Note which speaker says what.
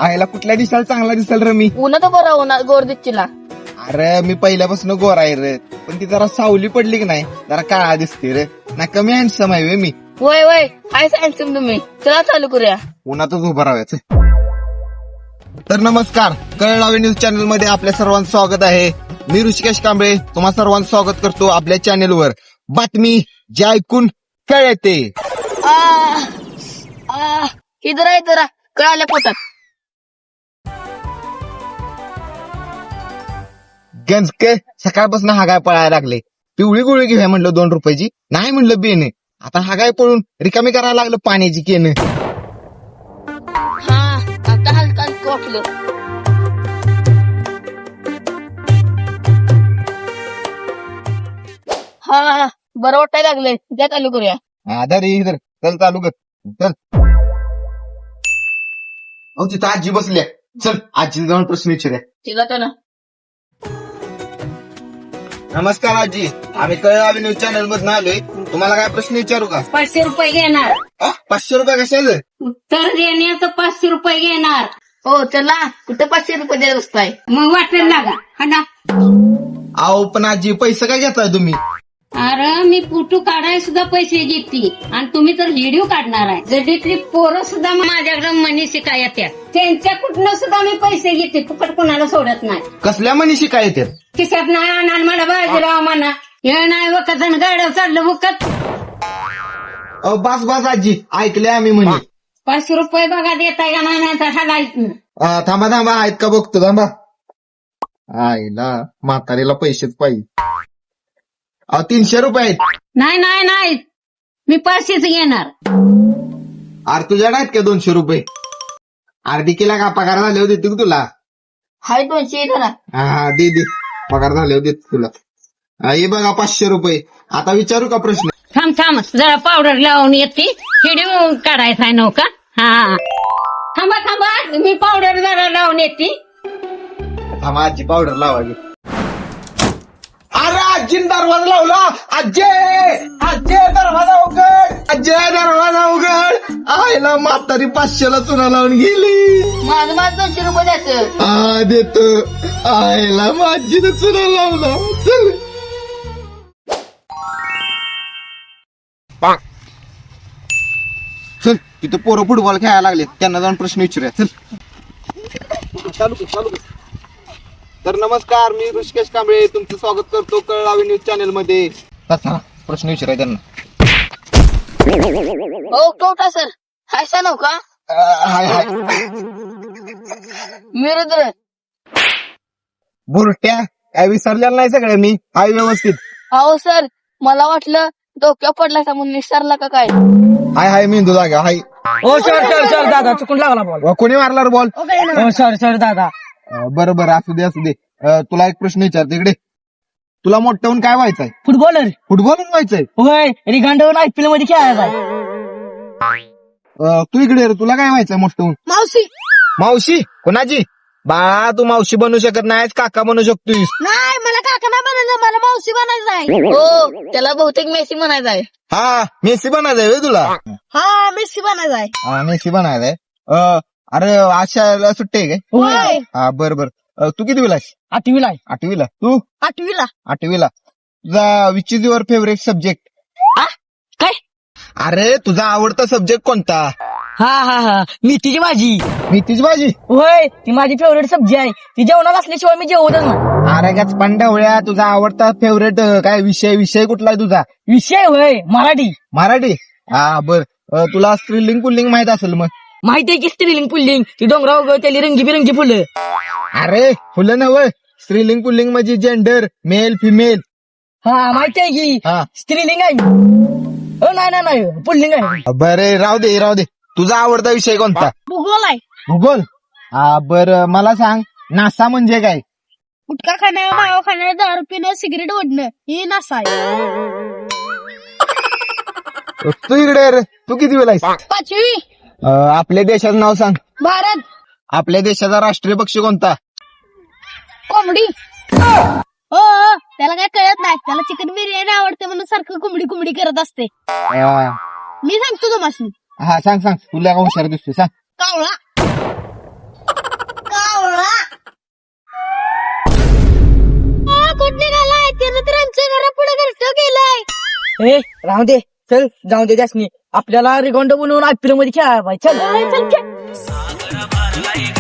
Speaker 1: आईला कुठल्या दिसायला चांगला दिसेल रे मी?
Speaker 2: उन्हा तर बरं उन्हा गोर दिसला.
Speaker 1: अरे मी पहिल्यापासून गोरा आहे रे, पण ती जरा सावली पडली की नाही जरा काळा दिसते रे. ना कमी हँडसम आहे मी.
Speaker 2: वय वय हाय सांगशील तुम्ही. चला चालू करूया.
Speaker 1: उन्हातच उभं राहायचं. तर नमस्कार, कळलावे न्यूज चॅनल मध्ये आपल्या सर्वांचं स्वागत आहे. मी ऋषिकेश कांबळे तुम्हा सर्वांचं स्वागत करतो आपल्या चॅनलवर. बातमी जे ऐकून कळते.
Speaker 2: इधर आहे जरा कळाल्या पोटात.
Speaker 1: गंजके सकाळपासून हागाय पळायला लागले. पिवळी गोळी घेऊया म्हणलं 2 रुपयाची, नाही म्हणलं बेने. आता हागाय पळून रिकामी करायला लागलं पाण्याची केन.
Speaker 2: हा आता हलका वाटलं. हा बरं वाटायला लागलंय. द्या चालू करूया.
Speaker 1: आधार इधर चल चालू कर चल. अहो तिथं आजी बसल्या, चल आजी जाऊन प्रश्न विचारूया.
Speaker 2: तिला तर ना.
Speaker 1: नमस्कार आजी, आम्ही कळलावे न्यूज चॅनल मधून आलोय. तुम्हाला काय प्रश्न विचारू का?
Speaker 3: 500 रुपये घेणार.
Speaker 1: 500 रुपये कशाचं?
Speaker 3: उत्तर देण्याचं 500 रुपये घेणार.
Speaker 2: हो चला. कुठं 500 रुपये द्यायला बसताय?
Speaker 3: मग वाटायला लागा हा ना.
Speaker 1: अहो पण आजी पैसे काय घेताय तुम्ही?
Speaker 3: अरे मी फोटो काढायला सुद्धा पैसे घेते आणि तुम्ही तर व्हिडिओ काढणार आहे. जडीतली पोरं सुद्धा माझ्याकडे मनी शिकाय येतात. त्यांच्या कुठनं सुद्धा मी पैसे घेते. फुकट कोणाला सोडत नाही.
Speaker 1: कसल्या मनीषी काय येतात?
Speaker 3: खिशात नाही आणणार म्हणा बाजीराव म्हणा. हे नाही वखत आणि गाड्या चाललं वखत.
Speaker 1: अहो बस बस आजी, ऐकले आम्ही म्हणे.
Speaker 3: 500 रुपये बघा देता का नाही तर ह्याला ऐकून.
Speaker 1: थांबा थांबा, आहेत का बघतो थांबा. आईला म्हातारीला पैसेच पाहिजे. 300 रुपये आहेत.
Speaker 3: नाही नाही नाही मी 500च घेणार.
Speaker 1: अरे तुझ्याकडे आहेत का 200 रुपये? अर्धी केला का पगार झाले होते तू तुला?
Speaker 2: हाय 200 धरा.
Speaker 1: हा दे दे, पगार झाले होते तुला. हे बघा 500 रुपये. आता विचारू का प्रश्न?
Speaker 3: थांब थांब जरा पावडर लावून येते. व्हिडिओ काढायचा आहे नव्हता. हा थांबा थांबा मी पावडर जरा लावून येते.
Speaker 1: थांबा आजी, पावडर लावायची. अरे आजीन दरवाजा लावला. आजे आजे दरवाजा उघड, आजे दरवाजा उघड. आईला म्हातारी 500ला चुना लावून गेली.
Speaker 2: माझं 200 रुपये द्यायचं.
Speaker 1: हा देतो. आईला माझीनं चुना लावला. चल चल, तिथं पोरं फुटबॉल खेळायला लागले, त्यांना जाऊन प्रश्न विचारूया. चल चालू कर चालू कर. तर नमस्कार, मी ऋषिकेश कांबळे तुमचं स्वागत करतो कळलावे न्यूज चॅनल मध्ये. चला प्रश्न विचारूया त्यांना.
Speaker 2: हो कोटा सर. हाय सा नव का?
Speaker 1: हाय हाय.
Speaker 2: मी रुद्र.
Speaker 1: बुरट्या काय विसरलेला नाही सगळ्या मी. हाय व्यवस्थित.
Speaker 2: अहो सर मला वाटलं डोक्या पडला का म्हणून विसरला का काय?
Speaker 1: हाय हाय मेंदू जागा हाय.
Speaker 4: हो सर सर सर दादा चुकून लागला बॉल.
Speaker 1: कोणी मारला बॉल?
Speaker 4: हो सर सर दादा.
Speaker 1: बरं बरं असू दे असू दे. तुला एक प्रश्न विचारतो इकडे. तुला मोठं होऊन काय व्हायचंय?
Speaker 4: फुटबॉलर.
Speaker 1: फुटबॉल व्हायचंय?
Speaker 4: होय रिगांडवरून IPL मध्ये खेळायचा.
Speaker 1: तू इकडे रे, तुला काय व्हायचंय मोठं होऊन?
Speaker 2: मावशी.
Speaker 1: मावशी? कोणाची? बाळा तू मावशी बनू शकत नाहीस, काका बनू शकतोस.
Speaker 2: नाही मला काका नाही बनायचं, मला मावशी बनायचं आहे. हो त्याला बहुतेक मेसी बनायचं आहे.
Speaker 1: हा मेसी बनायचंय व्हय तुला?
Speaker 2: हा मेसी बनायचं आहे.
Speaker 1: हा मेसी बनायचंय. अरे आशाला सुट्टी आहे काय?
Speaker 2: होय
Speaker 1: हा बरं बरं. तू किती विलास?
Speaker 4: 8वीला आहे.
Speaker 1: 8वीला. तू?
Speaker 2: 8वीला.
Speaker 1: 8वीला. तुझा which is your favourite subject?
Speaker 4: काय?
Speaker 1: अरे तुझा आवडता सब्जेक्ट कोणता?
Speaker 4: हा हा हा मेथीची भाजी.
Speaker 1: मेथीची भाजी?
Speaker 4: होय ती माझी फेवरेट सब्जी आहे. ती जेवणात असल्याशिवाय मी जेवतच नाही.
Speaker 1: अरे गच पंढवळ्या, तुझा आवडता फेवरेट काय विषय? विषय कुठला आहे तुझा?
Speaker 4: विषय होय मराठी.
Speaker 1: मराठी? हा बर. तुला स्त्रीलिंग पुल्लिंग माहित असेल मग?
Speaker 4: माहिती आहे की स्त्रीलिंग पुल्लिंग. ती डोंगरावर उगवतेली रंगीबिरंगी फुलं.
Speaker 1: अरे फुलं नव्हे, स्त्रीलिंग पुल्लिंग म्हणजे जेंडर, मेल फिमेल.
Speaker 4: हा माहिती आहे की
Speaker 1: हा
Speaker 4: स्त्रीलिंग आहे. हो नाही नाही नाही पुल्लिंग आहे.
Speaker 1: बरे राहू दे राहू दे. तुझा आवडता विषय कोणता?
Speaker 2: भूगोल आहे.
Speaker 1: भूगोल? हा बर. मला सांग नासा म्हणजे काय?
Speaker 2: गुटखा खाणं, मावा खाणं, दारू पिणं, सिगरेट ओढणं ही नासा आहे.
Speaker 1: तू इकडे रे. तू किती वेळा आहेस?
Speaker 2: 5वी.
Speaker 1: आपल्या देशाचं नाव सांग.
Speaker 2: भारत.
Speaker 1: आपल्या देशाचा राष्ट्रीय पक्षी कोणता?
Speaker 2: कोंबडी. हो त्याला काय कळत नाही. त्याला चिकन बिर्याणी आवडते म्हणून सारखं कोंबडी कोंबडी करत असते. मी सांगतो तुम्हाला.
Speaker 1: हा सांग सांग. तुला का हुशार दिसतो सांग.
Speaker 2: कावळा. कुठं निघालाय त्यानं तर आमच्या घरापुढे घरटं केलंय.
Speaker 4: ए राहू दे, चल जाऊ दे त्यासनी. आपल्याला रिगॉन्ड बनवून IPL मध्ये खेळायला पाहिजे. चल
Speaker 2: चल, चल.